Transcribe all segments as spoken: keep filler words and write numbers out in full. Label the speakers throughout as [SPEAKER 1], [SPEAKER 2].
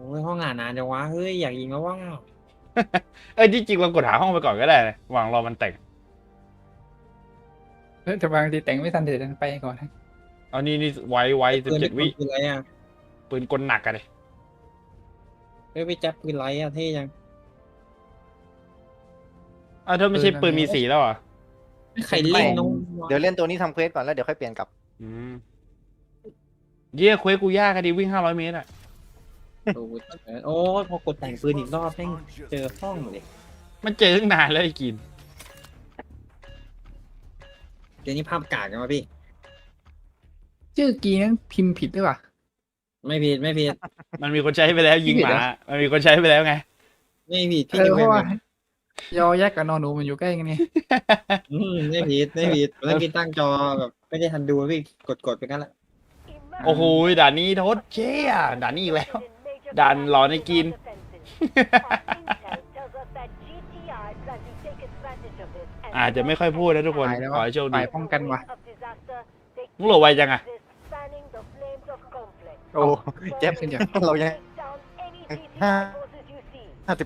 [SPEAKER 1] อ้ยห้องอ่านนานจังวะเฮ้ยอยากยิงแล้วว่า
[SPEAKER 2] เอ้ยที่จริงเรากดหาห้องไปก่อนก็ได้นะวางรอมันแต่ง
[SPEAKER 3] เออแต่บางทีแต่งไม่ทันเดี๋ยวไปก่อนนะ
[SPEAKER 2] เอานี่นี่ไวไวสิบ
[SPEAKER 1] ปืน
[SPEAKER 2] เจ็ด
[SPEAKER 1] ที่
[SPEAKER 2] วิ
[SPEAKER 1] ปืนอะไรอ่ะ
[SPEAKER 2] ปืนกลหนักอะเลย
[SPEAKER 1] เฮ้ยไปจับปืนไรอ่ะเท่ยัง
[SPEAKER 2] อ้าวเธอไม่ใช่ปืนมีสีแล้วเหรอ่ะ
[SPEAKER 1] ใครเล่นน้อง
[SPEAKER 4] เดี๋ยวเล่นตัวนี้ทำเควสก่อนแล้วเดี๋ยวค่อยเปลี่ยนกลับ
[SPEAKER 2] อืมเยี่ยเควสกูยากอะดิวิ่งห้าร้อยเมตรอะ
[SPEAKER 1] โอ้ยโอ้ยพอกดแต่งปืนอีกรอบแม่งเจอห้องเลย
[SPEAKER 2] มันเจอตั้งนานแล้วไอ้กิน
[SPEAKER 1] เดี๋ยวนี้ภาพกากกันวะพี่
[SPEAKER 3] ชื่อกีนั้นพิมพ์ผิดหรือเปล่า
[SPEAKER 1] ไม่ผิดไม่ผิด
[SPEAKER 2] มันมีคนใช้ไปแล้วยิงหมา
[SPEAKER 3] ผิดเหรอ
[SPEAKER 2] มันมีคนใช้ไปแล้วไง
[SPEAKER 1] ไม่ผิดพี่
[SPEAKER 3] เออ
[SPEAKER 1] จะ
[SPEAKER 3] เพ
[SPEAKER 1] ไม่
[SPEAKER 3] ราะว่า
[SPEAKER 1] ผิด
[SPEAKER 3] ยอยักษ์กับนอนหนูมันอยู่ใกล้กันไง
[SPEAKER 1] อืมไม่ผิดไม่ผิดเมื่อกี้ตั้งจอแบบไม่ได้ทันดูพี่กดกดไปกันละ
[SPEAKER 2] โอ้โหด่านนี้โทษเจ๊อะด่านนี้อีกแล้ว ด่านหลอนในกิน อาจจะไม่ค่อยพูดนะทุกคน
[SPEAKER 3] ตายแล้ว
[SPEAKER 2] ขอให้โชคดี
[SPEAKER 3] ฝ่ายป้องกันว่ะ
[SPEAKER 2] มึงโหลดไวจังอะ
[SPEAKER 4] โอ้เจ็บ
[SPEAKER 3] ขึ้นอย่าง
[SPEAKER 4] เรายังห้าห้าสิบ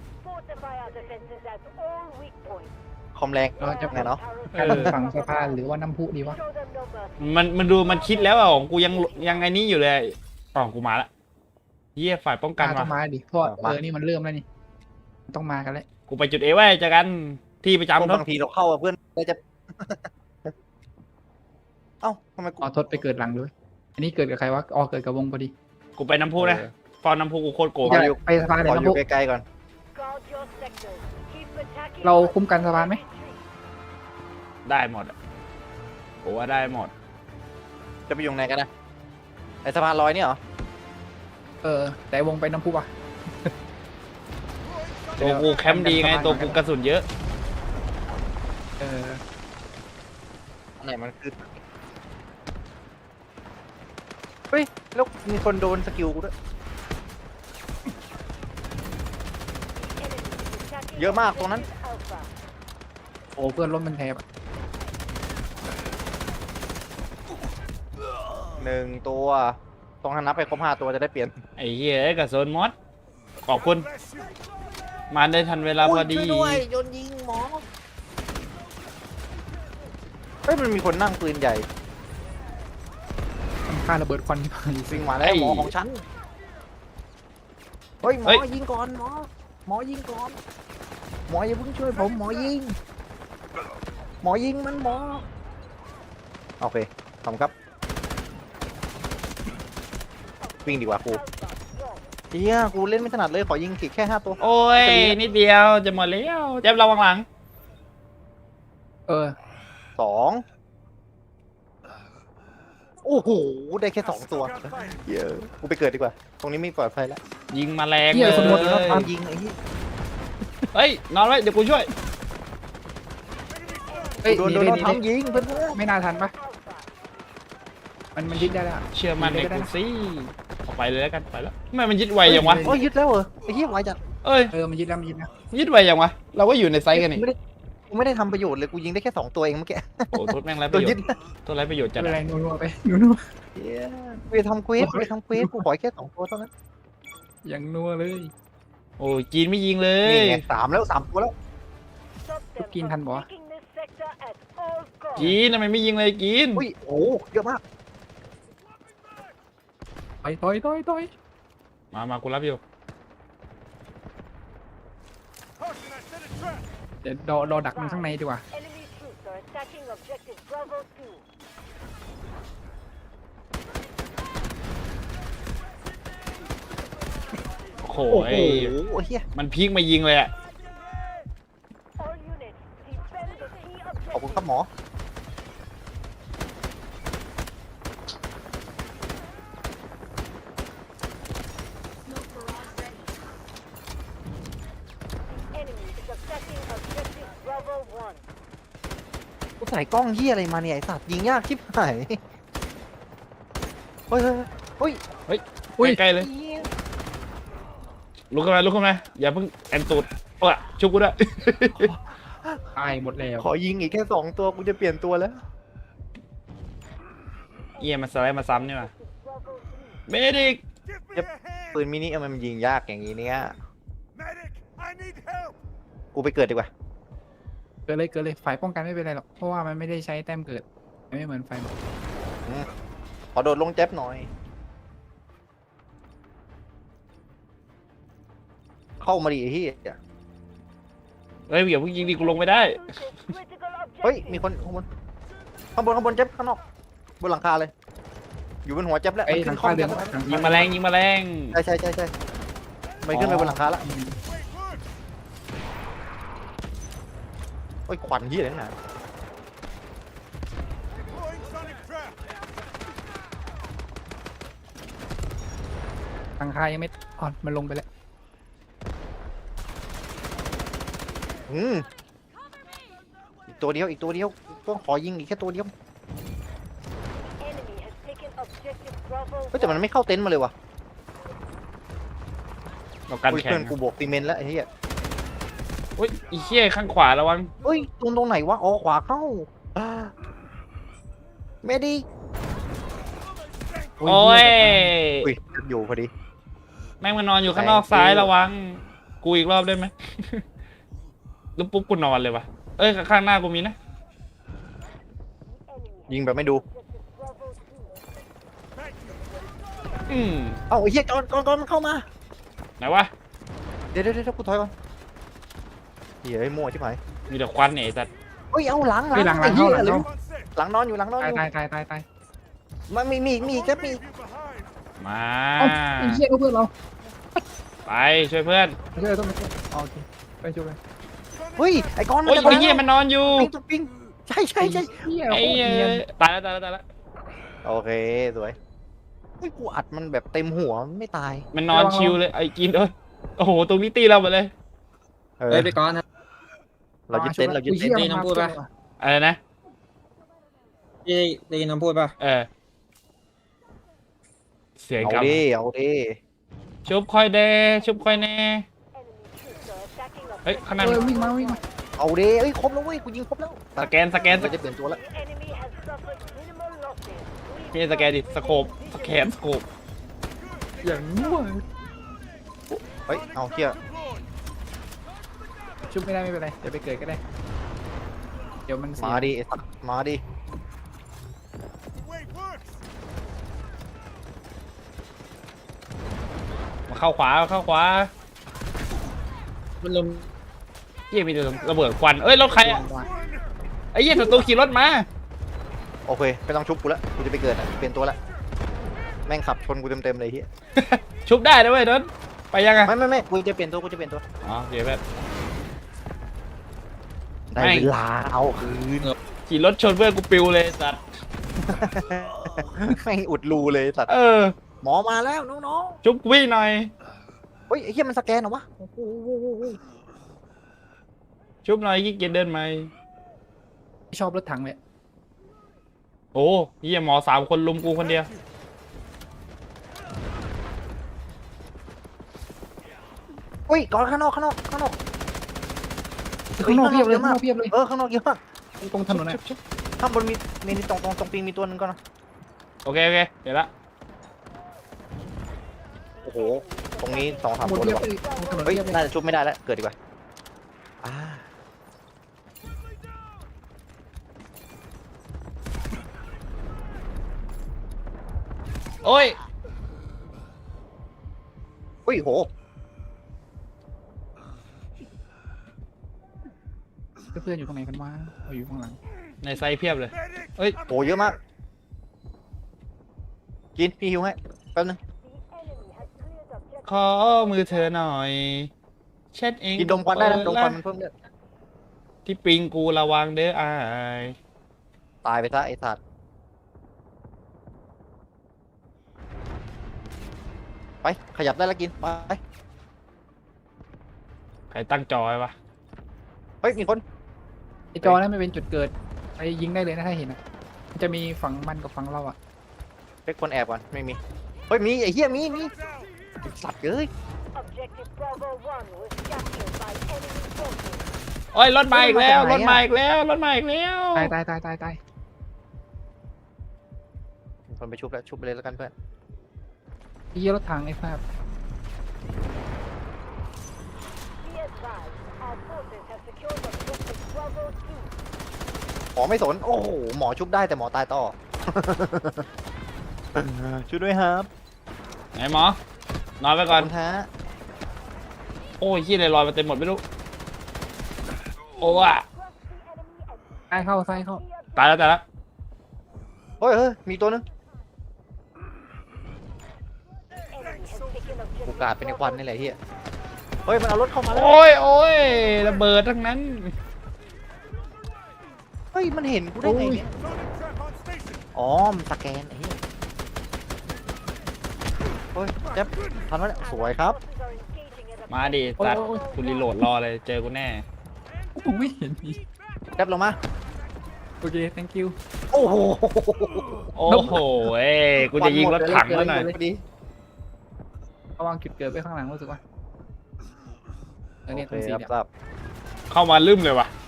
[SPEAKER 4] คอมแรง
[SPEAKER 3] เราจะ
[SPEAKER 4] ไงเนาะ
[SPEAKER 3] กันฝั่งสะพานหรือว่าน้ำพุดีวะ
[SPEAKER 2] มันมันดูมันคิดแล้วอะของกูยังยังไงนี้อยู่เลยอ๋อกูมาละเยี่ยฝ่ายป้องกัน
[SPEAKER 3] ต้อ
[SPEAKER 2] ว่ะ
[SPEAKER 3] งมาดิเพราะว่าเออนี่มันเริ่มแล้วนี่ต้องมากันแล้ว
[SPEAKER 2] กูไปจุดเอไว้เจอกันที่ประจำทศ
[SPEAKER 4] บางทีเราเข้าอะเพื่อนเราจะ เอ้าทำไมกู
[SPEAKER 3] เอาทศไปเกิดหลังด้วย อันนี้เกิดกับใครวะอ๋อเกิดกับวงพอดี
[SPEAKER 2] กูไปน้ำพุนะฟอนน้ำพุกูโคตรโกง
[SPEAKER 3] อย่าไปสะพานเลย
[SPEAKER 4] ขอ
[SPEAKER 3] น้ำ
[SPEAKER 4] อยู่
[SPEAKER 3] พุ
[SPEAKER 4] ไกลๆก่อน
[SPEAKER 3] เราคุ้มกันสะพานไหม
[SPEAKER 2] ได้หมดอะกูว่าได้หมด
[SPEAKER 4] จะไปอยู่ไหนกันนะไอสะพานลอยนี่เหรอ
[SPEAKER 3] เออ แต่วงไปน้ำพุว่ะ
[SPEAKER 2] ตัวกูแคมป์ดีไงตัวกูกระสุนเยอะ
[SPEAKER 3] เออ
[SPEAKER 4] อันไหนมันคือเฮ้ยแล้วมีคนโดนสกิลกูด้วยเยอะมากตรงนั้น
[SPEAKER 3] โอ้เพื่อนล้มเป็นแทบอะ
[SPEAKER 4] หนึ่งตัวต้องนับไปครบห้าตัวจะได้เปลี่ยน
[SPEAKER 2] ไอ้เหี้ยกระสุนมดขอบคุณ มาได้ทันเวลาพอดี
[SPEAKER 4] ช่วยด้วยโดนยิงหมอเฮ้ยมันมีคนนั่งปืนใหญ่
[SPEAKER 3] มันฆ่าระเบิดควันที่พัง
[SPEAKER 4] วิ่งมาแล้ว
[SPEAKER 2] ไอ้
[SPEAKER 4] หมอของฉันเฮ้ยหมอ
[SPEAKER 2] เฮ้ย
[SPEAKER 4] ยิงก่อนหมอหมอยิงก่อนหมออย่าเพิ่งช่วยผมหมอยิงหมอยิงมันหมอโอเคขอบคุณครับวิ่งดีกว่าครูเฮียกูเล่นไม่ถนัดเลยขอยิงขีดแค่ห้าตัว
[SPEAKER 2] โอ้ยนิดเดียวจะหมดแล้วเจ็บระวังหลัง
[SPEAKER 3] เออ
[SPEAKER 4] สองโอ้โหได้แค่สองตัวเยอะกูไปเกิดดีกว่า ตรงนี้ไม่ปลอดภัยแล้ว
[SPEAKER 2] ยิงมาแรง
[SPEAKER 3] เหี้
[SPEAKER 2] เลย
[SPEAKER 3] ยสมมุติว่า
[SPEAKER 4] ตามยิงไอ้ที่
[SPEAKER 2] เฮ้ยนอนไว้เดี๋ยวกูช่วย
[SPEAKER 3] เฮ้ย
[SPEAKER 4] โดน
[SPEAKER 3] ห
[SPEAKER 4] โดน
[SPEAKER 3] ได้
[SPEAKER 4] โดน
[SPEAKER 3] หได้
[SPEAKER 4] ทำยิงเพื่อนเพื่อน
[SPEAKER 3] ไม่น่าทันปะมันมันยึดได้แล้วอะ
[SPEAKER 2] เชื่อมันในกูสิออกไปเลยแล้วกันไปแล้วทำไมมันยึดไวยังวะ
[SPEAKER 4] โอ้ยยึดแล้วเหรอไอ้ที่ไวจัด
[SPEAKER 2] เอ้ย
[SPEAKER 3] เออมันยึดแล้วมันยึดแล้ว
[SPEAKER 2] ยึดไวยังวะเราก็อยู่ในไซส์กันนี่
[SPEAKER 4] ไม่ได้กูไม่ได้ทำประโยชน์เลยกูยิงได้แค่สองตัวเองเมื่อกี้
[SPEAKER 2] โอ้โทษแม่งไรป
[SPEAKER 4] ตั
[SPEAKER 2] ระ
[SPEAKER 4] ว
[SPEAKER 2] โย
[SPEAKER 4] ยึ
[SPEAKER 2] ช
[SPEAKER 4] ด
[SPEAKER 2] น์ตัวไรประโยชน์จัด
[SPEAKER 3] เป็น
[SPEAKER 2] อะ
[SPEAKER 3] ไรนัวๆไปนัว
[SPEAKER 4] เหี้ยไปทำเควสไปทำเควสกูขอแค่สองตัวเท่านั้น
[SPEAKER 3] ๆอย่างนัวเลย
[SPEAKER 2] โอ้ยจีนไม่ยิงเล
[SPEAKER 4] นี่
[SPEAKER 2] ย
[SPEAKER 4] ไงสามแล้วสามตัวแล้ว
[SPEAKER 3] ทุกกินทันบ่
[SPEAKER 2] จีนทำไมไม่ยิงเลยจีน
[SPEAKER 4] อุ้ยโอ้เยอะมาก
[SPEAKER 3] ต่อยต่อยต่อยต่อย
[SPEAKER 2] มามากูรับอยู่
[SPEAKER 3] เดี๋ยวรอรอดักมันข้างในดีกว่า
[SPEAKER 2] โอ้โห
[SPEAKER 4] โอ้โหเฮีย
[SPEAKER 2] มันพีกมายิงเลยอะ
[SPEAKER 4] ขอบคุณครับหมอ กูใส่กล้องเฮียอะไรมาเนี่ยไอสัตว์ยิงยากชิบหายเฮ้ยเฮ้ยเฮ้ย
[SPEAKER 3] อุ้ย
[SPEAKER 2] ใกล้ๆเลย
[SPEAKER 4] เหี้ย
[SPEAKER 2] ลุกขึ้นมาลุกขึ้นมาอย่าเพิ่งแอนตูดโอ้ยชุบกูด้วย
[SPEAKER 3] ตายหมดแล้ว
[SPEAKER 4] ขอยิงอีกแค่สองตัวกูจะเปลี่ยนตัวแล้ว
[SPEAKER 2] เอียมาสไลด์มาซ้ำนี่มาเบดิก
[SPEAKER 4] เจ็บปืนมินิมันยิงยากอย่างนี้เนี่ยกูไปเกิดดีกว่า
[SPEAKER 3] เกิดเลยเกิดเลยฝ่ายป้องกันไม่เป็นไรหรอกเพราะว่ามันไม่ได้ใช้แต้มเกิดไม่เหมือนไฟบอก
[SPEAKER 4] ขอโดดลงแจ๊บหน่อย เข้ามาดิไอ้เหี้ย
[SPEAKER 2] เฮ้ยอย่าเพิ่งยิงดิกูลงไม่ได้
[SPEAKER 4] เฮ้ยมีคนข้างบนข้างบนข้างบนแจ๊บข้างนอกบนหลังคาเลย อยู่บนหัวแจ๊บแล้ว
[SPEAKER 3] ไอ้
[SPEAKER 4] มัน
[SPEAKER 3] หลั
[SPEAKER 4] ขึ้
[SPEAKER 3] ง
[SPEAKER 4] นข้อ
[SPEAKER 3] คา
[SPEAKER 4] แจ๊บแล้ว
[SPEAKER 3] เดือนหลัง
[SPEAKER 2] ยิง
[SPEAKER 3] คา
[SPEAKER 2] แมลงยิงแมลง
[SPEAKER 4] ใช่ใช่ใช่ใช่ไม่ขึ้นไปบนหลังคาแล้วโอ้ยควันเหี้ยอะไรนั่นน่ะ
[SPEAKER 3] หลังคายังไม่อ่อนมันลงไปแล้ว
[SPEAKER 4] อืมอีกตัวเดียวอีกตัวเดียวต้องขอยิงอีกแค่ตัวเดียวเฮ้ยแต่มันไม่เข้าเต็นท์มาเลยวะ
[SPEAKER 2] เรากัน
[SPEAKER 4] อุ้ย
[SPEAKER 2] แข่ง
[SPEAKER 4] เพื่อนกูบวกซีเมนต์แล้วไอ้เหี้ย
[SPEAKER 2] อุ้ยอีเหี้ยข้างขวาระวัง
[SPEAKER 4] เฮ้ยตรงตรงไหนวะอ๋อขวาเข้าอ่าไม่ดี
[SPEAKER 2] โอ้ย
[SPEAKER 4] อุ้ยอยู่พอดี
[SPEAKER 2] แม่งมันนอนอยู่ข้างนอกซ้ายระวัง กูอีกรอบได้ไหม แล้วปุ๊บกูนอนเลยวะเอ้ยข้างหน้ากูมีนะ
[SPEAKER 4] ยิงแบบไม่ดู
[SPEAKER 2] อืม
[SPEAKER 4] เอ้าไอ้เหี้ยก่อนก่อนก่อนมันเข้ามา
[SPEAKER 2] ไหนวะ
[SPEAKER 4] เดี๋ยวเดี๋ยวเดี๋ยวกูถอยก่อนเหี้ยไอ้มั่วชิบหาย
[SPEAKER 2] มีแต่ควันเนี่ยไอ้สัตว์
[SPEAKER 4] เฮ้ยเอาหลังหลั
[SPEAKER 3] เฮ้ยหลังหลังเข้าหลัง
[SPEAKER 4] ไอ้
[SPEAKER 3] เข้า
[SPEAKER 4] หี้ยหลังนอนอยู่หลังนอนอ
[SPEAKER 3] ตาย
[SPEAKER 4] ยู่
[SPEAKER 3] ตายตายตายตาย
[SPEAKER 4] มันมีมีมีแค่มี
[SPEAKER 2] มา
[SPEAKER 3] เอ้าไอ้เหี้ยเพื่อนเรา
[SPEAKER 2] ไปช่วยเพื่อน
[SPEAKER 3] ไม่ใช่ต้องไปช่วยอ๋อโอเคไปช่วยไป
[SPEAKER 4] เฮ้ยไอ้ก้อนมัน
[SPEAKER 2] โอ้ย
[SPEAKER 4] จะ
[SPEAKER 2] ไอ้เหี้ยมันนอนอยู่
[SPEAKER 4] ปิ้งตุ๊กปิ้งใช่ใช่ใช่
[SPEAKER 3] เหี้ย
[SPEAKER 2] ไอ้
[SPEAKER 3] โคตร
[SPEAKER 2] เหี้ย
[SPEAKER 3] เนียน
[SPEAKER 2] ตายแล้วตายแล้วตายแล้ว
[SPEAKER 4] โอเคสวยเฮ้ยกูอัดมันแบบเต็มหัวมันไม่ตาย
[SPEAKER 2] มันนอนชิวเลยไอ้กินเอ้ยโอ้โหตรงนี้ตีเราหมดเลย
[SPEAKER 4] เออ
[SPEAKER 1] เฮ้ยไปก่อนนะ
[SPEAKER 4] เรายึดเต็นท์เรายึดเต็นท์
[SPEAKER 1] ตีน้ำพูดปะ
[SPEAKER 2] อะไรนะ
[SPEAKER 1] พี่ได้ยินน้ำพูดป่ะ
[SPEAKER 2] เออเสียง
[SPEAKER 4] เอา
[SPEAKER 2] กลับ
[SPEAKER 4] ดิเอาดิ
[SPEAKER 2] ชุบคอยเดชุบคอยแน่เฮ้ยข้างหน้า
[SPEAKER 3] เอ
[SPEAKER 2] มี
[SPEAKER 3] อวิ่งมาวิ่งมา
[SPEAKER 4] เอาดิเอ้ยครบแล้วเว้ยกูยิงครบแล้ว
[SPEAKER 2] สแกนสแกนส
[SPEAKER 4] เรา
[SPEAKER 2] แกน
[SPEAKER 4] จะเปลี่ยนตัวแล้ว
[SPEAKER 2] พี่สแกนดิสโคปสแกนสโคป
[SPEAKER 3] อย่างง่วง
[SPEAKER 4] เฮ้ยเอาเที่ย
[SPEAKER 3] ชุบไม่ได้ไม่เป็นไรเดี๋ยวไปเกิดก็ได้เดี๋ยวมันเสีย
[SPEAKER 4] มาดิไอ้สัตว์มาดิ
[SPEAKER 2] มาเข้าขวาเข้าขวา
[SPEAKER 1] มันลม
[SPEAKER 2] เหี้ยมีแต่ระเบิดควันเอ้ยรถใครอ่ะไอ้เหี้ยศัตรูขี่รถมา
[SPEAKER 4] โอเคไม่ต้องชุบกูแล้วกูจะไปเกิดอ่ะเปลี่ยนตัวแล้วแม่งขับชนกูเต็มๆเลยเฮีย
[SPEAKER 2] ชุบได้นะเว้ยนนท์ไปยังไง
[SPEAKER 4] ไม่ไม่ไม่กูจะเปลี่ยนตัวกูจะเปลี่ยนตัว
[SPEAKER 2] อ๋อเดี๋ยวแบบ
[SPEAKER 4] ได้
[SPEAKER 2] ไม่
[SPEAKER 4] เวลาเอาคืน
[SPEAKER 2] ขี่รถชนเพื่อนกูปิวเลยสัตว์
[SPEAKER 4] ไม่งอุดรูเลยสัตว์
[SPEAKER 2] เออ
[SPEAKER 4] หมอมาแล้วน้อง
[SPEAKER 2] ชุบวิ่งหน่อย
[SPEAKER 4] ๆเฮ้ยไอ้เหี้ยมันสแกนเหรอวะโอ้โห
[SPEAKER 2] ชุบหน่อยขี้เกียจเดินไหม
[SPEAKER 3] ชอบรถถังเลย
[SPEAKER 2] โอ้เหี้ยหมอสามคนลุมกูคนเดียว
[SPEAKER 4] เฮ้ยก่อนข้างนอกข้างนอกข้างนอก
[SPEAKER 3] ข้างนอกเพียบเลย
[SPEAKER 4] เยอะ
[SPEAKER 3] ข้าง
[SPEAKER 4] มาก
[SPEAKER 3] นอกเพียบเลย
[SPEAKER 4] เออข้างนอกเยอะมาก
[SPEAKER 3] ตรงถนนนะ
[SPEAKER 4] ชุบชุบข้างบนมีมีตรงตรงตรงปิงมีตัวหนึงก่อนนะ
[SPEAKER 2] โอเคโอเคเดี๋ยวละ
[SPEAKER 4] โอ้โหตรงนี้สองสา
[SPEAKER 3] ข้าม งบน
[SPEAKER 4] ตัวเล
[SPEAKER 3] เพี
[SPEAKER 4] ย
[SPEAKER 3] ยบ
[SPEAKER 4] วะ
[SPEAKER 3] เลยตรงถนน
[SPEAKER 4] เฮ้ย
[SPEAKER 3] เพียบเลย
[SPEAKER 4] น่าจะชุบไม่ได้แล้วเกิดดีกว่าอ่า
[SPEAKER 2] โอ้ย
[SPEAKER 4] เฮ้ยโห
[SPEAKER 3] เพื่อนๆอยู่ตรงไหนกันวะเอาอยู่ข้างหลัง
[SPEAKER 2] ในไซส์เพียบเลย
[SPEAKER 4] โหเยอะมากกินพี่หิวให้แป๊บนึง
[SPEAKER 2] ขอมือเธอหน่อยเช็ดเอง
[SPEAKER 4] กินดมควันได้นะดมควันมันเพิ่มเลือด
[SPEAKER 2] ที่ปิงกูระวังเด้ออาย
[SPEAKER 4] ตายไปซะไอ้สัตว์ไปขยับได้แล้วกินไป
[SPEAKER 2] ใครตั้งจอไว้ปะ
[SPEAKER 4] เฮ้ยมีคน
[SPEAKER 3] ไอจอนั้นไม่เป็นจุดเกิดไปยิงได้เลยนะถ้าเห็นนะมันจะมีฝั่งมันกับฝั่งเราอ่ะ
[SPEAKER 4] เช็คคนแอบก่อนไม่มีเฮ้ยมีไอ้เหี้ยมีมีไอ้สัตว์เอ้ย
[SPEAKER 2] โอ้ยรถมาอีกแล้วรถมาอีกแล้วรถมาอีกแล้ว
[SPEAKER 3] ตายตายตายตายตาย
[SPEAKER 4] มีคนไปชุบแล้วชุบไปเลยแล้วกันเพื่อน
[SPEAKER 3] ไอ้เหี้ยรถถังไอ้ภาพ
[SPEAKER 4] หมอไม่สน โอ้โห หมอชุบได้แต่หมอตายต่อ ช่วยด้วยครับ
[SPEAKER 2] ไหนหมอ นอนไปก่อน
[SPEAKER 4] ขบคุณฮะ
[SPEAKER 2] โอ้ยขี้เลยลอยมาเต็มหมดไม่รู้ โอ้อะ
[SPEAKER 3] ซ้ายเข้าซ้ายเข้า
[SPEAKER 2] ตายแล้วตายแล้ว
[SPEAKER 4] เฮ้ยเฮ้ยมีตัวนึงกูกาดเป็นในควันนี่แหละเฮียเฮ้ย มันเอารถเข้ามาแล้ว
[SPEAKER 2] โอ้ยโอ้ยระเบิดทั้งนั้น
[SPEAKER 4] เฮ้ย มันเห็นกูได้ไงเนี่ย อ๋อ มันสแกนไอ้เหี้ยเฮ้ยเจ็บทันไหมเนี่ยสวยครับ
[SPEAKER 2] มาดิตัดกูรีโหลดรอเลยเจอกูแน่
[SPEAKER 3] ผมไม่เห็นมี
[SPEAKER 4] เจ็บลงมา
[SPEAKER 3] โอเค thank you
[SPEAKER 4] โอ้โห
[SPEAKER 2] โอ้โหเอ้ยกูจะยิงรถถังแล้วหน่อย
[SPEAKER 4] พอดี
[SPEAKER 3] ระวังจุดเกิดไปข้างหลังรู้สึกว่าเออเนี่ยต
[SPEAKER 4] โอ
[SPEAKER 3] รง
[SPEAKER 4] เค
[SPEAKER 3] สี
[SPEAKER 4] ครับ
[SPEAKER 3] เนี่ย
[SPEAKER 4] ครับ
[SPEAKER 2] เข้ามาลืมเลยว่ะ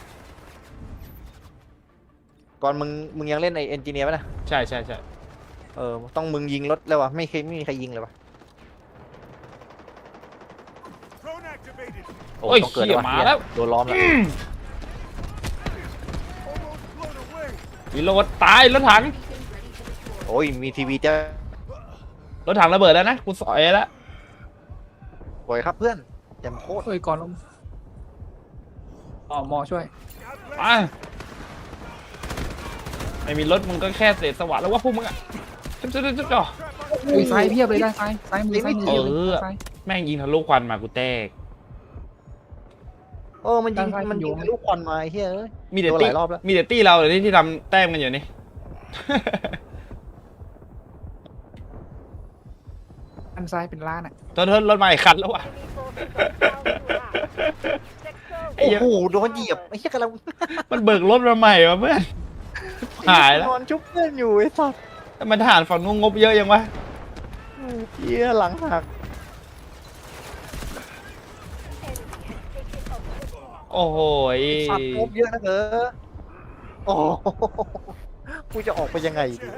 [SPEAKER 4] ก่อนมึง มึงยังเล่นไอเอนจิเนียร์ป่ะนะ
[SPEAKER 2] ใช่ใช่ใช่
[SPEAKER 4] เออ ต้องมึงยิงรถเลยวะไม่เคยไม่มีใครยิงเลยวะโอ้
[SPEAKER 2] โอ้ย
[SPEAKER 4] ต้องเกิด
[SPEAKER 2] เขี่ย
[SPEAKER 4] แล้ววะ
[SPEAKER 2] มาแล้ว
[SPEAKER 4] โดนล้อมแล้ว
[SPEAKER 2] รีโหลดตายรถถัง
[SPEAKER 4] โอ้ย มีทีวีจะ
[SPEAKER 2] รถถังระเบิดแล้วนะกูสอยแล้ว
[SPEAKER 4] สวยครับเพื่อนแจมโคตร
[SPEAKER 3] เฮ้ยก่อนลงอ๋อหมอช่วย
[SPEAKER 2] มาไม่มีรถมึงก็แค่เศษสวัสดิ์แล้วว่าพวกมึงอะจุ๊บจุ๊บจุ๊บจุ๊บจ่อ
[SPEAKER 3] เฮ้ยซ้ายเพียบเลยด้านซ้ายซ้ายมือซ้ายมือเพียบเลย
[SPEAKER 2] เออ
[SPEAKER 3] ซ้าย
[SPEAKER 2] แม่งยิงทะลุควันมากูแตก
[SPEAKER 4] เออ มันยิง
[SPEAKER 3] ด้านซ้าย
[SPEAKER 4] มันยิง
[SPEAKER 3] มันอยู่
[SPEAKER 4] ทะลุควันมาไอ้เฮ้ยเอ้ย
[SPEAKER 2] มีแต่
[SPEAKER 4] โดนห
[SPEAKER 2] ตี้
[SPEAKER 4] ลายรอบแล้ว
[SPEAKER 2] มีแต่ตี้เราเลยที่ที่ทำแต้มกันอยู่นี่
[SPEAKER 3] ด้านซ้ายเป็นล้านอ่ะ
[SPEAKER 2] โทษโทษรถมาอีกคันแล้วว่ะ ไอ้
[SPEAKER 4] โอ้
[SPEAKER 2] เหี้ย
[SPEAKER 4] โห โดนเหยียบไอ้เหี้ยกำลัง
[SPEAKER 2] มันเบิกรถมาใหม่วะเพื่อนหายแล้ว
[SPEAKER 4] นอนชุบเพื่อนอยู่ไอ้สัส
[SPEAKER 2] แต่มันทหารฝั่งนู้นงบเยอะยังวะ
[SPEAKER 4] เหี้ยหลังหัก
[SPEAKER 2] โอ้โหย
[SPEAKER 4] สัตว์งบเยอะนะเออโอ้โหกูจะออกไปยังไงดี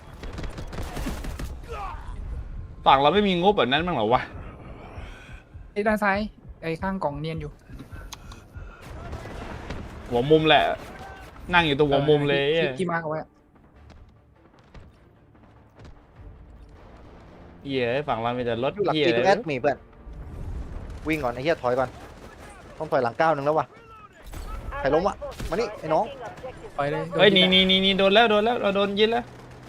[SPEAKER 2] ฝั่งเราไม่มีงบแบบนั้นมั้างเหรอวะ
[SPEAKER 3] ไอ้ด้านซ้ายไอ้ข้างกล่องเนียนอยู่
[SPEAKER 2] หัวมุมแหละ นั่งอยู่ตรงหัวมุมเลย
[SPEAKER 3] ที่ที่ที่มาร์คเอาไว้
[SPEAKER 2] เหี้ยฝั่งเรามีแต่รถ
[SPEAKER 4] อยู่หลัก
[SPEAKER 2] เหี้ย
[SPEAKER 4] กิ
[SPEAKER 2] เล
[SPEAKER 4] โลแอย ดมีเพื่อนวิ่งก่อนไอ้เหี้ยถอยก่อนต้องถอยหลังก้าวหนึ่งแล้ววะใครล้มวะมานี่ไอ้น้อง
[SPEAKER 3] ไปเลย
[SPEAKER 2] เฮ้ยหนี่นี่นี่นี่โดนแล้วโดนแล้วเราโดนยิงแล้ว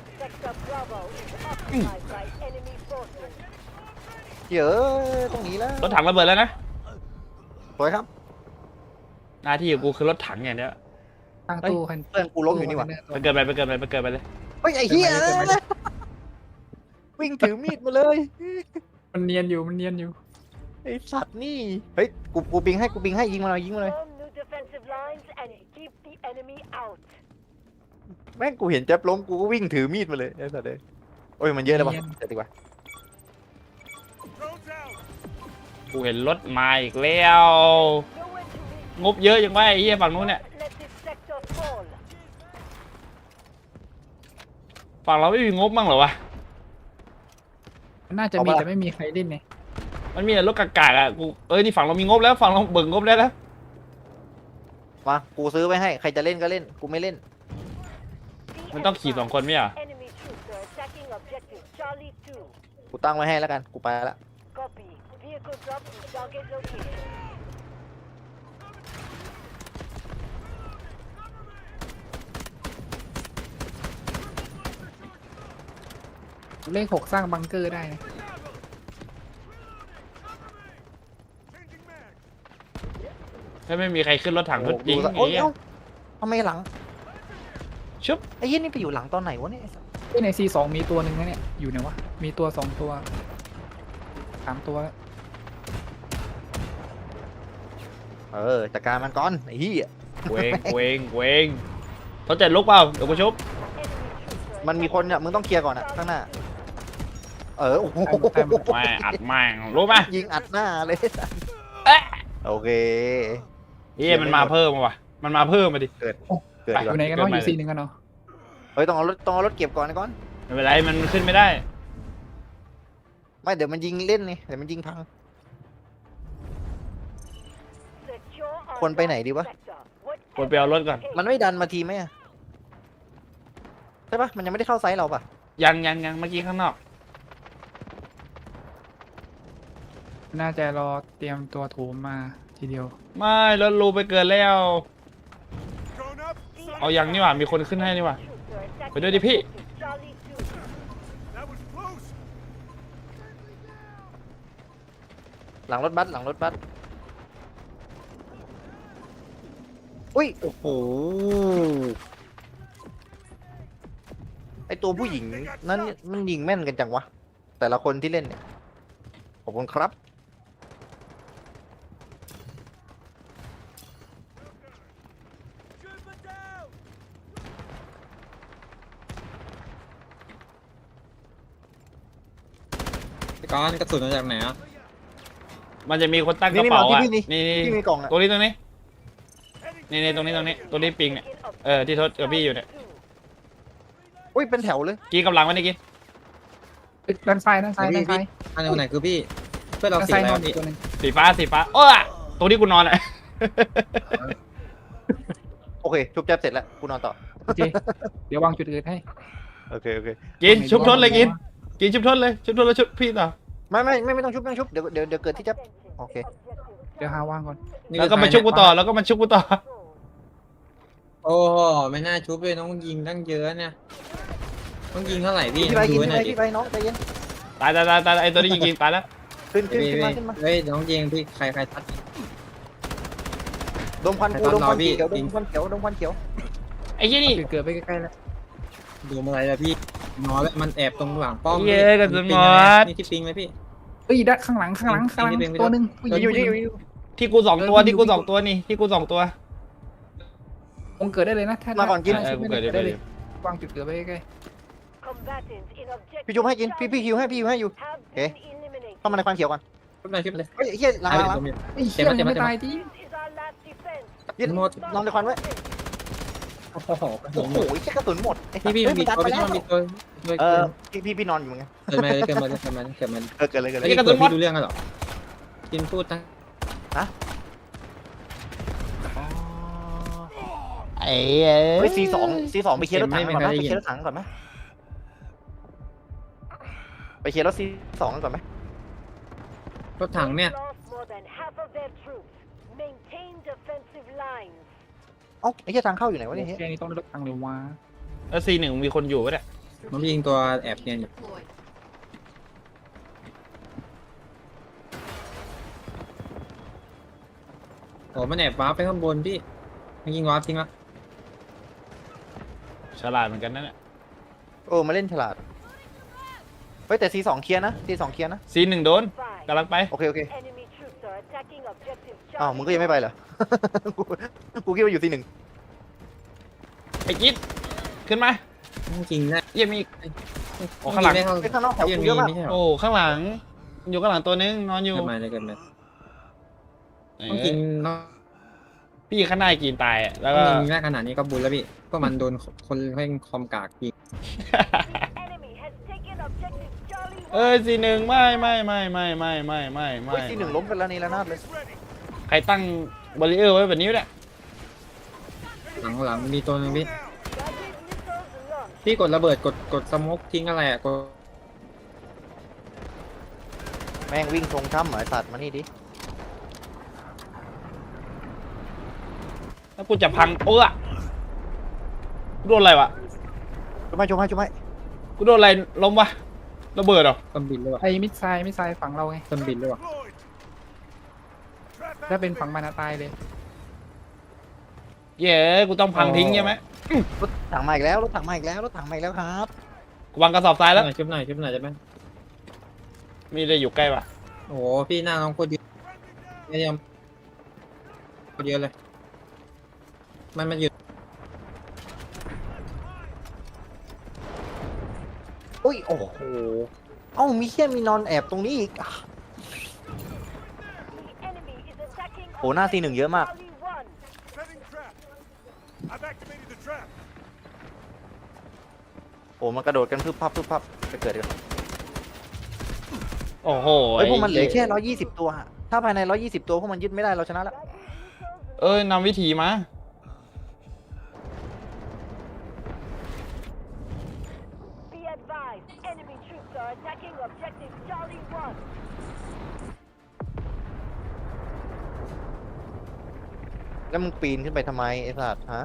[SPEAKER 4] เหี้ยเอ้ยต้องหนีแล้ว
[SPEAKER 2] รถถังระเบิดแล้วนะ
[SPEAKER 4] ถอยครับ
[SPEAKER 2] หน้าที่ของกูคือรถถังอย่างเดียว
[SPEAKER 3] ตั้งตู้คัน
[SPEAKER 4] เพื่อนกูล้มอยู่นี่วะ
[SPEAKER 2] ไปเกินไปไปเกินไปไปเกินไปเลย
[SPEAKER 4] เฮ้ยไอ้เหี้ยวิ่งถือมีดมาเลย
[SPEAKER 3] มันเนียนอยู่มันเนียนอยู่
[SPEAKER 4] ไอ้สัตว์นี่เฮ้ยกูกูปิงให้กูปิงให้ยิงมาเลยยิงมาเลยแม่งกูเห็นแจ๊บล้มกูก็วิ่งถือมีดมาเลยไอ้สัตว์เลยโอ้ยมันเยอะแล้ววะเดี๋ยวดีกว่า
[SPEAKER 2] กูเห็นรถมาอีกแล้ว งบเยอะยังไงไอ้เหี้ยฝั่งนู้นเนี่ยฝั่งเราไม่มีงบบ้างเหรอวะ
[SPEAKER 3] มันน่าจะมีแต่ไม่มีใครเล่นไง
[SPEAKER 2] มันมีแต่รถกากๆอ่ะกูเอ้ยนี่ฝั่งเรามีงบแล้วฝั่งเราเบิกงบได้แล้ว
[SPEAKER 4] มากูซื้อไว้ให้ใครจะเล่นก็เล่นกูไม่เล่น
[SPEAKER 2] มันต้องขี่สองคนไม่เหรอ
[SPEAKER 4] กูตั้งไว้ให้แล้วกันกูไปละ
[SPEAKER 3] เลขหกสร้างบังเกอร์ได้นะ
[SPEAKER 2] ถ้าไม่มีใครขึ้นรถถังรถจริง
[SPEAKER 4] โอ้
[SPEAKER 2] ไอ้
[SPEAKER 4] โห
[SPEAKER 2] เหี้ย
[SPEAKER 4] เอ้าทำไมหลัง
[SPEAKER 2] ชุบ
[SPEAKER 4] ไอ้เหี้ยนี่ไปอยู่หลังตอนไหนวะเนี่ย
[SPEAKER 3] เอ้ยในซีสองมีตัวหนึ่งนะเนี่ยอยู่ไหนวะมีตัวสองตัวสามตัวแล้ว
[SPEAKER 4] เออจัดการมันก่อนไอ้เหี้ย
[SPEAKER 2] เวงเวงเวงเขาจะลุกเปล่าเดี๋ยวกูชุบ
[SPEAKER 4] มันมีคนเนี่ยมึงต้องเคลียร์ก่อนอะข้างหน้าเออโอ้โห
[SPEAKER 2] แม่อัดแม่งรู้ไหม
[SPEAKER 4] ยิงอัดหน้าเลย
[SPEAKER 2] เอ๊ะ
[SPEAKER 4] โอเค
[SPEAKER 2] เฮ้ยมันมาเพิ่มว่ะมันมาเพิ่มมาดิ
[SPEAKER 4] เกิด
[SPEAKER 3] อ
[SPEAKER 4] ก่อน
[SPEAKER 3] ยู่ไหนกันเนาะอยู่ซีหนึ่งกันเนาะ
[SPEAKER 4] เฮ้ยต้องเอารถต้องเอารถเก็บก่อนนะก่อน
[SPEAKER 2] ไม่เป็นไรมันขึ้นไม่ได้
[SPEAKER 4] ไม่เดี๋ยวมันยิงเล่นนี่เดี๋ยวมันยิงพัง คนไปไหนดีวะ
[SPEAKER 2] กดไปเอารถก่อน
[SPEAKER 4] มันไม่ดันมาทีไหมอะใช่ปะมันยังไม่ได้เข้าไซส์เราปะ
[SPEAKER 2] ยังยังยังเมื่อกี้ข้างนอก
[SPEAKER 3] น่าจะรอเตรียมตัวโถมมาทีเดียว
[SPEAKER 2] ไม่รถรูไปเกินแล้ว เอายังนี่หว่ามีคนขึ้นให้นี่หว่าไปด้วยดิพี่
[SPEAKER 4] หลังรถบัสหลังรถบัสอุ้ย
[SPEAKER 1] โอ้โห
[SPEAKER 4] ไอตัวผู้หญิงนั้นมันยิงแม่นกันจังวะแต่ละคนที่เล่นเนี่ยขอบคุณครับ
[SPEAKER 1] ก้อนกระสุนมาจากไหนอ่ะ
[SPEAKER 2] มันจะมีคนตั้งก
[SPEAKER 4] นี่
[SPEAKER 2] ระ
[SPEAKER 4] นี่
[SPEAKER 2] เป๋า
[SPEAKER 4] มาที่
[SPEAKER 2] อ่ะ
[SPEAKER 4] พี่นี่
[SPEAKER 2] นี่นี่
[SPEAKER 4] ที่มีกล่องอะ
[SPEAKER 2] ตรงนี้ตรงนี้นี่นี่ตรงนี้ตรงนี้ตรงนี้ปิงเนี่ยเออที่ทศกับพี่อยู่เนี่ย
[SPEAKER 4] อุ้ยเป็นแถวเลย
[SPEAKER 2] กินกำลังไว้นี่กิน
[SPEAKER 3] เอ้ยด้านซ้ายด้านซ้ายด้านซ้าย
[SPEAKER 1] อันไหนคือพี่เพื่อนเรา
[SPEAKER 3] ด้าน
[SPEAKER 1] สี
[SPEAKER 3] ซ้าย
[SPEAKER 1] อะไร
[SPEAKER 3] นอน
[SPEAKER 1] วะ
[SPEAKER 3] อี
[SPEAKER 1] พี่
[SPEAKER 3] กตัวหนึง
[SPEAKER 2] สีฟ้าสีฟ้าโอ้ยตรงที่กูนอนอ่ะ
[SPEAKER 4] โอเคชุบแจ๊บเสร็จแล้วกูนอนต่อ
[SPEAKER 3] โอเคเดี๋ยววางจุดอื่นให้
[SPEAKER 4] โอเคโอเค
[SPEAKER 2] กินชุบทศเลยกินกินชุบทศเลยชุบทศแล้วชุบพี่ต่อ
[SPEAKER 4] ไม่ไม่ไม่ไม่ต้องชุบไม่ต้องชุบเดี๋ยวเดี๋ยวเดี๋ยวเกิดที่แจ๊บโอเค
[SPEAKER 3] เดี๋ยวหาวางก่อน
[SPEAKER 2] แล้วก็มาชุบกูต่อแล้วก็มาชุบกูต่อ
[SPEAKER 1] โอ้โหไม่น่าชุบเลยน้องยิงตั้งเยอะเนี่ยต้องยิงเท่าไหร่พี่
[SPEAKER 4] พี่ไปกิ
[SPEAKER 1] ดู
[SPEAKER 4] น
[SPEAKER 1] ไว้
[SPEAKER 4] พี่
[SPEAKER 1] ห
[SPEAKER 4] ไป
[SPEAKER 1] น่อยดิ
[SPEAKER 4] พี่ไปน้องใจเย็น
[SPEAKER 2] ตายตายตายตายไอตัวนี้ยิงยิงตายแล้ว
[SPEAKER 4] ขึ้นขึ้น
[SPEAKER 1] พี่
[SPEAKER 4] ขึ้นมาขึ้นมา
[SPEAKER 1] เฮ้ยน้องยิงพี่ใครใครทัด
[SPEAKER 4] ดมควันกู
[SPEAKER 1] ไปตาม
[SPEAKER 4] ดมควัน
[SPEAKER 1] เราพี่
[SPEAKER 4] เขียวด
[SPEAKER 1] จริ
[SPEAKER 4] ม
[SPEAKER 1] ง
[SPEAKER 4] ควันเขียวดมควันเขียว
[SPEAKER 2] ไอ้ยี่นี่
[SPEAKER 3] จุดเกิดไปใกล้ๆแล้ว
[SPEAKER 1] ดูอะไรล่ะพี่นอนแล้วมันแอบตรงหลังป้อม
[SPEAKER 2] เย้กระสุนหมด
[SPEAKER 1] นี่ที่ปิงไหมพี่
[SPEAKER 3] เอ้ยด้านข้างหลังข้างหลังข้างหลัง
[SPEAKER 1] นี่เป็น
[SPEAKER 3] ตัวหนึ่งผู้หญิง
[SPEAKER 4] อยู่
[SPEAKER 3] ผู้ห
[SPEAKER 4] อยู่
[SPEAKER 3] ญิง
[SPEAKER 4] อยู่
[SPEAKER 2] ที่กูสองตัวที่กูสองตัวนี่ที่กูสองตัว
[SPEAKER 3] คงเกิดได้เลยนะถ้า
[SPEAKER 4] มาก่อนกิน
[SPEAKER 3] ถ้า
[SPEAKER 2] เออ
[SPEAKER 3] ชุบ
[SPEAKER 2] กู
[SPEAKER 3] ไม่
[SPEAKER 2] เกิด
[SPEAKER 3] ได้
[SPEAKER 2] เดี๋ยว
[SPEAKER 3] ได้เลย ยวางจุดเกิดไปใกล้
[SPEAKER 4] พี่ชุบให้กินพี่พี่คิวให้พี่คิวให้อยู่โอเคเข้ามาในควันเขียวก่อน
[SPEAKER 1] ชุบหน่อยชุบเลย
[SPEAKER 4] เฮ้ยเฮียหลังหลังหลัง
[SPEAKER 3] ๆไอ้ยเหี้ยยังไม่ตายจริง
[SPEAKER 4] ยึด
[SPEAKER 1] หมด
[SPEAKER 4] นอนในควันไว้
[SPEAKER 1] โอ้โหกระสุ
[SPEAKER 4] โอ้
[SPEAKER 1] น
[SPEAKER 4] โห
[SPEAKER 1] หมด
[SPEAKER 4] แค่กระสุนหมดไอ้สั
[SPEAKER 1] พี่
[SPEAKER 4] ตว์
[SPEAKER 1] พี่
[SPEAKER 4] เฮ้ย
[SPEAKER 1] มี
[SPEAKER 4] มันดัน
[SPEAKER 1] ตัว
[SPEAKER 4] มา
[SPEAKER 1] พี่
[SPEAKER 4] แล้ว
[SPEAKER 1] ต้องมีตัวด้วย
[SPEAKER 4] เออพี่พี่พี่นอนอยู่ไง
[SPEAKER 1] เกิดมาเกิดมาเกิดมาเกิดมาเกิดมา
[SPEAKER 4] เออเกิดเลยเกิดเลย
[SPEAKER 1] ไอ้กระสุนพี่รู้เรื่องกันหรอกินพูดนะ
[SPEAKER 2] ไอ้
[SPEAKER 4] เฮ้ยซีสองซีสองไปเคลียร์รถถังก่อนไหมไปเคลียร์รถถังก่อนไหมไปเคลียร์รถซีสองก่อนไหม
[SPEAKER 1] รถถังเนี่ย
[SPEAKER 4] เอ้าไอ้เหี้ยทางเข้าอยู่ไหนวะเนี่ยเฮ้ย
[SPEAKER 3] แค่นี้ต้องได้รถทางเร็วมา
[SPEAKER 2] แล้วซีหนึ่งมีคนอยู่ปะเนี่ย
[SPEAKER 1] มันยิงตัวแอบเนี่ยอยู่โอ้มันแอบวาร์ปไปข้างบนพี่มันยิงวาร์ปจริงปะ
[SPEAKER 2] ฉลาดเหมือนกันนั่นแหละ
[SPEAKER 4] โอ้มาเล่นฉลาดเฮ้ยแต่ซีสองเคลียร์นะซีสองเคลียร์นะ
[SPEAKER 2] ซีหนึ่งโดนกำลังไป
[SPEAKER 4] โอเคโอเคอ้าวมึงก็ยังไม่ไปเหรอ กูกูคิดว่าอยู่ซีหนึ่ง
[SPEAKER 2] ไอ้กิ๊ดขึ้นมา
[SPEAKER 1] จริงนะ
[SPEAKER 2] เยี่ยมอีก โอ้ข้างหลัง
[SPEAKER 1] ไม่เข้า
[SPEAKER 4] ไอ้ข้างนอกแถว
[SPEAKER 1] ยัง
[SPEAKER 4] กู
[SPEAKER 1] มี
[SPEAKER 4] เยอะมาก
[SPEAKER 1] ไม่ใช่หรอ
[SPEAKER 2] โอ้ข้างหลัง อยู่ข้างหลังตัวนึงนอนอยู่
[SPEAKER 1] เกิดมาเลยเกิดมา
[SPEAKER 2] เออ
[SPEAKER 1] ต้องกินเนาะ
[SPEAKER 2] พี่ข้างหน้ากินตายอะแล้ว
[SPEAKER 1] ต้
[SPEAKER 2] ก็
[SPEAKER 1] องยิงได้ขนาดนี้ก็บุญแล้วพี่ก็มันโดนคนเล่นคอมกากยิง
[SPEAKER 2] เอ้ยซีหนึ่งไม่ไม่ไม่ไม่ไม่ไม่ไม่ไม่
[SPEAKER 4] เฮ้ยซีหนึ่งล้มไปแล้วนี่แล้วนาดเลย
[SPEAKER 2] ใครตั้งบาริเออร์ไว้แบบนี้เนี่ย
[SPEAKER 1] หลังหลังมีตัวหนึงพี่พี่กดระเบิดกดกดสโมกทิ้งอะไรอ่ะกด
[SPEAKER 4] แม่งวิ่งทรงถ้ำเหรอไอ้สัตว์มานี่ดิ
[SPEAKER 2] แล้วกูจะพังเออกูโดนอะไรวะ
[SPEAKER 4] ช่วยไหมช่วยไหมช่วยไหม
[SPEAKER 2] กูโดนอะไรล้มวะระเบิดเหรอ
[SPEAKER 1] ต้นบินหรือเปล่า
[SPEAKER 3] ไอ้มิดไซด์มิดไซด์ฝั่งเราไง
[SPEAKER 1] ต้นบินหรือเปล่า
[SPEAKER 3] ถ้าเป็นฝั่งมันอะตายเลย
[SPEAKER 2] เย้กูต้องพังทิ้งใช่ไหม
[SPEAKER 4] รถถังมาอีกแล้วรถถังมาอีกแล้วรถถังมาอีกแล้วครับ
[SPEAKER 2] กูวางกระสอบทรายแล้ว
[SPEAKER 1] ชุบหน่อยชุบหน่อยได้ไหม
[SPEAKER 2] มีอะไรอยู่ใกล้ปะ
[SPEAKER 1] โอ้โหพี่หน้าน้องโคตรเยอะไม่ยอมโคตรเยอะเลยมันมันอยู่
[SPEAKER 4] อุ้ยโอ้โหเอ้ามีแค่มีนอนแอบตรงนี้อีกอ่ะโหหน้าซีหนึ่งเยอะมากโอ้มันกระโดดกันพึบพับพึบพับไปเกิดกัน
[SPEAKER 2] โอ้โห
[SPEAKER 4] เฮ้ยพวกมันเหลือแค่ร้อยยี่สิบตัวฮะถ้าภายในร้อยยี่สิบตัวพวกมันยึดไม่ได้เราชนะแล้ว
[SPEAKER 2] เอ้ยนำวิธีมา
[SPEAKER 4] แล้วมึงปีนขึ้นไปทำไมไอ้สัตว์ฮะ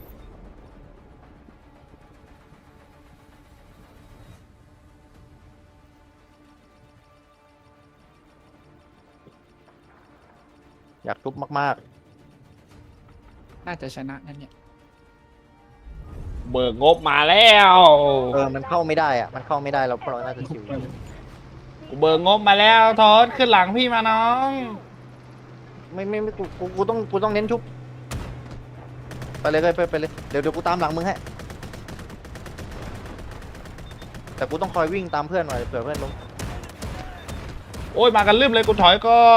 [SPEAKER 4] อยากทุบมาก
[SPEAKER 3] น่าจะชนะนั่นเนี่ย
[SPEAKER 2] เบิกงบมาแล้ว
[SPEAKER 4] ๆเออมันเข้าไม่ได้อะมันเข้าไม่ได้เราพวกเราน่าจะชิว
[SPEAKER 2] กูเบิกงบมาแล้วทอดขึ้นหลังพี่มาน้อง
[SPEAKER 4] ไม่ไม่ไม่กูกูกูต้องกูต้องเน้นชุบไปเลยไปไปเลยเดี๋ยวเดี๋ยวกูตามหลังมึงให้แต่กูต้องคอยวิ่งตามเพื่อนหน่อยเผื่อเพื่อนล้ม
[SPEAKER 2] โอ้ยมากันลืมเลยกูถอยก่อน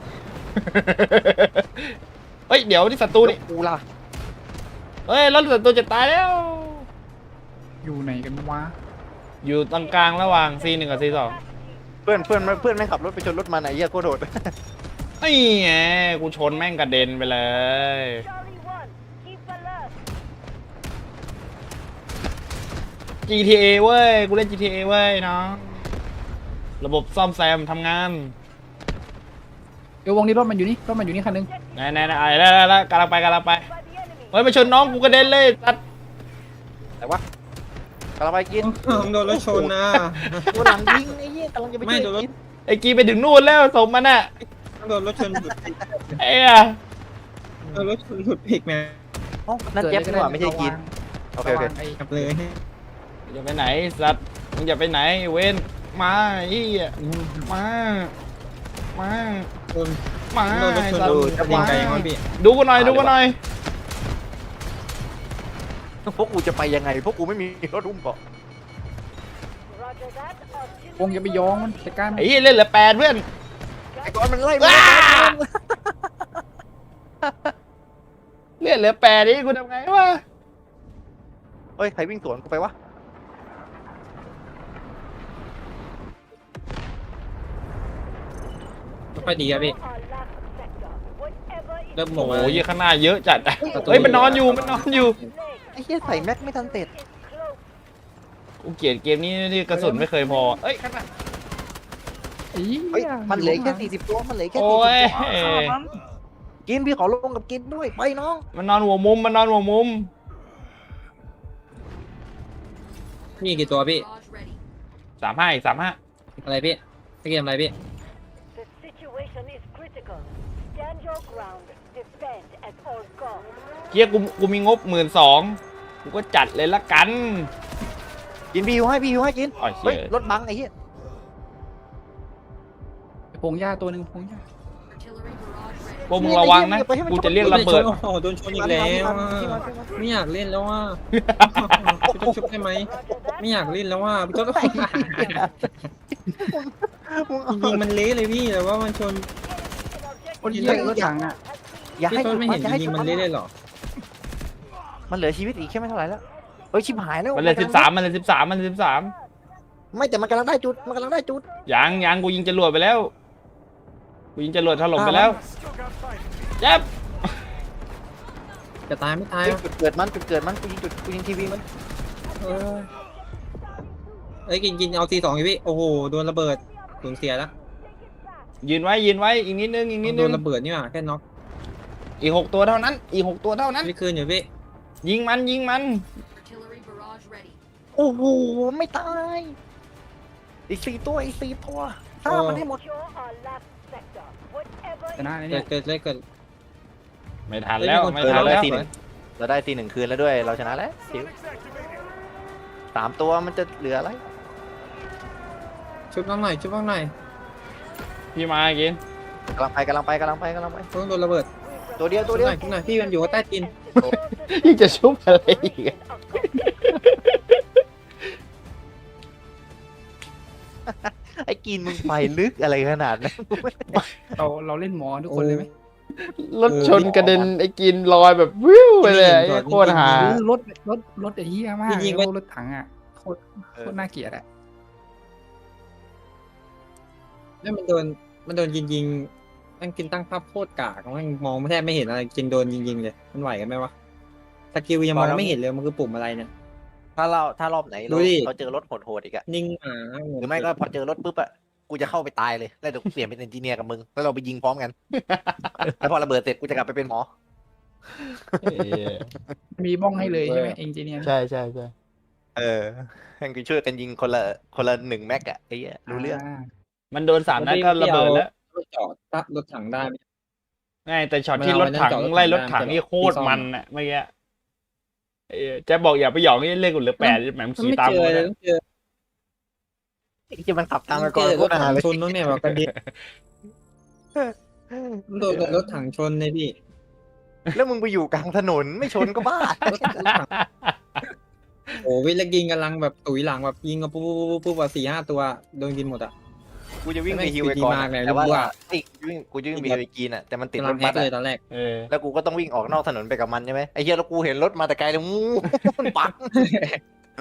[SPEAKER 2] เฮ้ยเดี๋ยวนี่ศัตรูนี่
[SPEAKER 4] กูล่ะ
[SPEAKER 2] เฮ้ยรถศัตรูจะตายแล้ว
[SPEAKER 3] อยู่ไหนกันวะ
[SPEAKER 2] อยู่ตรงกลางระหว่าง ซี หนึ่ง กับ ซี สอง
[SPEAKER 4] เพื่อนเพื่อนเพื่อนแม่งขับรถไปชนรถมันไอ้เหี้ยโคตรโดด
[SPEAKER 2] นี่ไงกูชนแม่งกระเด็นไปเลย จี ที เอ เว้ย กูเล่น จี ที เอ เว้ยน้องระบบซ่อมแซมทำงาน
[SPEAKER 3] เดี๋ยววงนี้รถมันอยู่นี่รถมันอยู่นี่คันนึง
[SPEAKER 2] ไหนไหนไหนไอ้แล้วแล้วกำลังไปกำลังไปเฮ้ยมาชนน้องกูกระเด็นเลยตัด
[SPEAKER 4] แต่ว่ากำลังไปกิน
[SPEAKER 1] ผมโดนรถชนนะ
[SPEAKER 4] ตัวหลังยิงไอ้เหี้ยกำลังจะไป
[SPEAKER 1] ไม่
[SPEAKER 4] ช่วย
[SPEAKER 1] โดนรถ
[SPEAKER 4] กิน
[SPEAKER 2] ไอ้กีไปถึงนู่นแล้วสมมันอ่ะ
[SPEAKER 1] โดนรถชนหลุด
[SPEAKER 2] ไอ้อะ
[SPEAKER 1] โดนรถชนหลุดเพกแม่
[SPEAKER 4] เอ้านั่นเจ็บนี่หว่าไม่ใช่กินโอเคโอเค
[SPEAKER 3] ระวังไอ้
[SPEAKER 1] กลับเลย
[SPEAKER 2] อย่าไปไหนสัตว์มึงอย่าไปไหนเว้นมาไอ้เหี้ยมามา
[SPEAKER 1] โดน
[SPEAKER 2] มา
[SPEAKER 1] โดนรถชน
[SPEAKER 2] สัต
[SPEAKER 1] ดู
[SPEAKER 2] ว์
[SPEAKER 1] จะยิงไกลยังไงพี่
[SPEAKER 2] ดูกูหน่อยดูกูหน่อย
[SPEAKER 4] พวกกูจะไปยังไงพวกกูไม่มีรถอุ้มเกาะ
[SPEAKER 3] วงอย่าไปย้องมันจัดการมัน
[SPEAKER 2] ไอ้เหี้ยเล่นเหลือแปดเพื่อน
[SPEAKER 4] ไอ้ก้อนมันไล่มึง
[SPEAKER 2] ว้า เล่นเหลือแปดนี่กูทำไงวะ
[SPEAKER 4] เฮ้ยใครวิ่งสวนกูไปวะ
[SPEAKER 1] ไม่ค่อยดีอะพี่เริ่มโหม
[SPEAKER 2] โอ้ยข้างหน้าเยอะจัดอะเฮ้ยมันนอนอยู่มันนอนอยู่
[SPEAKER 4] ไอ้เหี้ยใส่แม็กไม่ทันเสร็จ
[SPEAKER 2] กูเกลียดเกมนี้ที่กระสุนไม่เคยพอเอ้ยข้างหน้า
[SPEAKER 3] ไอ้
[SPEAKER 4] เฮ้ย
[SPEAKER 3] หี้
[SPEAKER 4] มันเหลือแค่สี่สิบตัวมันเหลือแค่
[SPEAKER 2] โอ้
[SPEAKER 4] สี่สิบ
[SPEAKER 2] ย
[SPEAKER 4] ตัวฆ่ามันกินพี่ขอลงกับกินด้วยไปน้อง
[SPEAKER 2] มันนอนหัวมุมมันนอนหัวมุม
[SPEAKER 1] มีกี่ตัวพี่
[SPEAKER 2] สามห้าอีกสามห้า
[SPEAKER 1] อะไรพี่เกมอะไรพี่
[SPEAKER 5] The situation is critical. Stand your ground. Defend at all costs.
[SPEAKER 2] เกียกูกูมีงบหมื่นสองกูก็จัดเลยละกัน
[SPEAKER 4] กินพี่อยู่ให้พี่อยู่ให้กิน
[SPEAKER 2] อ๋อเชี่ย
[SPEAKER 4] เฮ้ยรถบังไอ้เหี้ย
[SPEAKER 3] พงหญ้าตัวหนึ่งพงหญ้า
[SPEAKER 2] พวกมึงระวังนะกูจะเรียกระเบิด
[SPEAKER 1] โอ้โหโดนชนอีกแล้วอะไม่อยากเล่นแล้วว่าชุบชุบได้ไหมไม่อยากเล่นแล้วว่าก็ต้อง
[SPEAKER 4] มึง
[SPEAKER 1] จริงๆมันเละเลยพี่แต่ว่ามันชน
[SPEAKER 3] โอ้ยเหี้ยรถถังอ่ะ
[SPEAKER 4] อย่า
[SPEAKER 1] พี่
[SPEAKER 4] ให้
[SPEAKER 1] ต้นไม่เห็น
[SPEAKER 4] อย่า
[SPEAKER 1] จ
[SPEAKER 4] ให้
[SPEAKER 1] ริงๆมันเละเลยเหรอ
[SPEAKER 4] มันเหลือชีวิตอีกแค่ไม่เท่าไหร่แล้วเฮ้ยชิบหายแล้ว
[SPEAKER 2] มันเลยสิบสามมันเลยสิบสามมันเลยสิบสาม
[SPEAKER 4] ไม่แต่มันกำลังได้จุดมันกำลังได้จุด
[SPEAKER 2] ยังยังกูยิงจรวดไปแล้วกูยิงจรวดถล่มไปแล้วเจ็บ
[SPEAKER 1] จะตายไม่ตาย
[SPEAKER 4] เฮ้ย
[SPEAKER 1] อะ
[SPEAKER 4] จุดเกิดมันจุดเกิดมันกูยิงจุดกูยิงทีวีมัน
[SPEAKER 1] เออเอ้ยกินกินเอาทีสองอยู่พี่โอ้โหโดนระเบิดสูญเสียแล้ว
[SPEAKER 2] ยืนไว้ยืนไว้อีกนิดนึงอีกนิด
[SPEAKER 1] โด
[SPEAKER 2] นึ
[SPEAKER 1] น
[SPEAKER 2] ง
[SPEAKER 1] ระเบิดนี่หว่าแค่น็อก
[SPEAKER 2] อีกหกตัวเท่านั้น อีกหกตัวเท่านั้น
[SPEAKER 1] ไม่คืนอยู่พี่
[SPEAKER 2] ยิงมันยิงมัน
[SPEAKER 4] โอ้โหไม่ตายอีกสี่ตัวอีกสี่ตัวฆ่ามันให้หมด
[SPEAKER 5] Secure our last sector. Whatever
[SPEAKER 3] ชนะไอ้
[SPEAKER 1] เกิ
[SPEAKER 3] เนี่
[SPEAKER 1] ด
[SPEAKER 3] ย
[SPEAKER 1] เกิดเลยเกิด
[SPEAKER 2] ไม่ทันแล้ว
[SPEAKER 1] เฮ้ยมีคน
[SPEAKER 2] ไม่
[SPEAKER 4] เออ
[SPEAKER 2] ทัน
[SPEAKER 4] เราได้
[SPEAKER 2] แล้ว
[SPEAKER 4] ทีหนึ่งเราได้ทีหนึ่งคืนแล้วด้วยเราชนะแล้วชิวสามตัวมันจะเหลืออะไร
[SPEAKER 1] ชุบน้องหน่อยชุบน้องหน่อย
[SPEAKER 2] พี่มากิน
[SPEAKER 4] กำลังไปกำลังไปกำลังไปกำลังไป
[SPEAKER 1] ต้องโดนระเบิด
[SPEAKER 4] ตัวเดียว
[SPEAKER 1] ชุ
[SPEAKER 4] ตัว
[SPEAKER 1] บ
[SPEAKER 4] เดียว
[SPEAKER 1] หน่อยชุบหน่อยพี่มันอยู่ใต้ตีน
[SPEAKER 2] ยังจะชุบอะไรอีกอะ
[SPEAKER 4] ไอ้กินมึงไปลึกอะไรขนาดนั้น
[SPEAKER 3] เราเราเล่นหมอทุกคนเลยไหม
[SPEAKER 2] รถชนกระเด็นไอ้กินลอยแบบวิวไปเลยไอ้โคตรหา
[SPEAKER 3] หรือรถรถรถไอ้เหี้ยมาก
[SPEAKER 1] จริงๆ
[SPEAKER 3] โอ้รถถังอ่ะโคตรโคตรน่าเกลียดอ่ะ
[SPEAKER 1] แล้วมันโดนมันโดนยิงยิงๆมันกินตั้งภาพโคตรกากมันมองแทบไม่เห็นอะไรจริงโดนยิงยิงๆเลยมันไหวกันไหมวะสกิลยังมองไม่เห็นเลยมันคือปุ่มอะไรเนี่ย
[SPEAKER 4] ถ้าเราถ้ารอบไหน
[SPEAKER 1] ดู
[SPEAKER 4] เรา
[SPEAKER 1] ดิ
[SPEAKER 4] เราเจอรถโหดๆอีกอะ
[SPEAKER 1] นิ่งหมา
[SPEAKER 4] หรือไม่ก็พอเจอรถปุ๊บอะกูจะเข้าไปตายเลยแล้วเดี๋ยวกูเปลี่ยนเป็นเอนจิเนียร์กับมึงแล้วเราไปยิงพร้อมกัน แล้วพอระเบิดเสร็จกูจะกลับไปเป็นหมอ
[SPEAKER 2] เอ้ย
[SPEAKER 3] มีบ้องให้เลยใช่ไหมเอนจิเนียร์
[SPEAKER 2] ใช่ใช่ใช่
[SPEAKER 4] เออให้กูช่วยกันยิงคนละคนละหนึ่งแม็กอะไอ้เหี้ยรู้เรื่อง
[SPEAKER 2] มันโดนสามนัดก็ระเบิดแล้ว
[SPEAKER 1] รถจอดตั้งรถถังได้ไหม
[SPEAKER 2] ง่ายแต่ช็อต
[SPEAKER 1] มัน
[SPEAKER 2] ที่
[SPEAKER 1] เอา
[SPEAKER 2] รถถัง
[SPEAKER 1] ไว้นั่งจอดรถถัง
[SPEAKER 2] ไล่รถถัง
[SPEAKER 1] ได้
[SPEAKER 2] นี่โคตร
[SPEAKER 1] ที่ซ่อม
[SPEAKER 2] มันอะเมื่อกี้เอ้ยแจะบอกอย่าไปหยองนี่เล่นกูเหลือแปดแหมมึง
[SPEAKER 1] มัน
[SPEAKER 2] ขี่
[SPEAKER 1] ไม่
[SPEAKER 2] ตาม
[SPEAKER 1] เจ
[SPEAKER 2] กู
[SPEAKER 1] อเลย
[SPEAKER 2] นะ
[SPEAKER 1] ต้องเจอ
[SPEAKER 4] ไอ้ที่มันขับตาม
[SPEAKER 1] ต้
[SPEAKER 4] ไป
[SPEAKER 1] อง
[SPEAKER 4] ก่อน
[SPEAKER 1] เจอร
[SPEAKER 4] ก็
[SPEAKER 1] ถ
[SPEAKER 4] นา
[SPEAKER 1] ถัง
[SPEAKER 4] เลย
[SPEAKER 1] ชนนู้นเนี่ยแบบกระเด็นมันโดนรถถังชนเลยพี่
[SPEAKER 4] แล้วมึงไปอยู่กลางถนนไม่ชนก็บ้าร
[SPEAKER 1] ถรถถังโอ้วิลกินกำลังแบบตุ๋ยหลังแบบยิงกันปุ๊บปุ๊บปุ๊บปุ๊บแบบสี่ห้าตัวโดนกินหมดอ่ะ
[SPEAKER 4] กูจะวิ่งไป
[SPEAKER 1] ไม่
[SPEAKER 4] ฮิวไปก่อน
[SPEAKER 1] ดีมากเลย
[SPEAKER 4] แต่ว่า
[SPEAKER 1] รู้ว่า
[SPEAKER 4] ไอ้กูวิ่งกูจะวิ่งไปฮิวไปกินอะแต่มันติด
[SPEAKER 1] กำ
[SPEAKER 4] ร
[SPEAKER 1] ลัง
[SPEAKER 4] ถ
[SPEAKER 1] แฮ
[SPEAKER 4] บั
[SPEAKER 1] ก
[SPEAKER 4] ส
[SPEAKER 1] เลย
[SPEAKER 4] อะ
[SPEAKER 1] ตอนแรก
[SPEAKER 2] เออ
[SPEAKER 4] แล้วกูก็ต้องวิ่งออกนอกถนนไปกับมันใช่ไหมไอ้เหี้ยแล้วกูเห็นรถมาแต่ไกลเลยงูมันปัง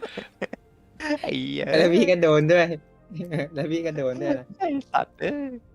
[SPEAKER 4] ไอ้เหี้ย
[SPEAKER 1] แล้วพี่ก็โดนด้วย แล้วพี่ก็โดนด้วยนะ
[SPEAKER 4] ไอ้สัตว์เอ้ย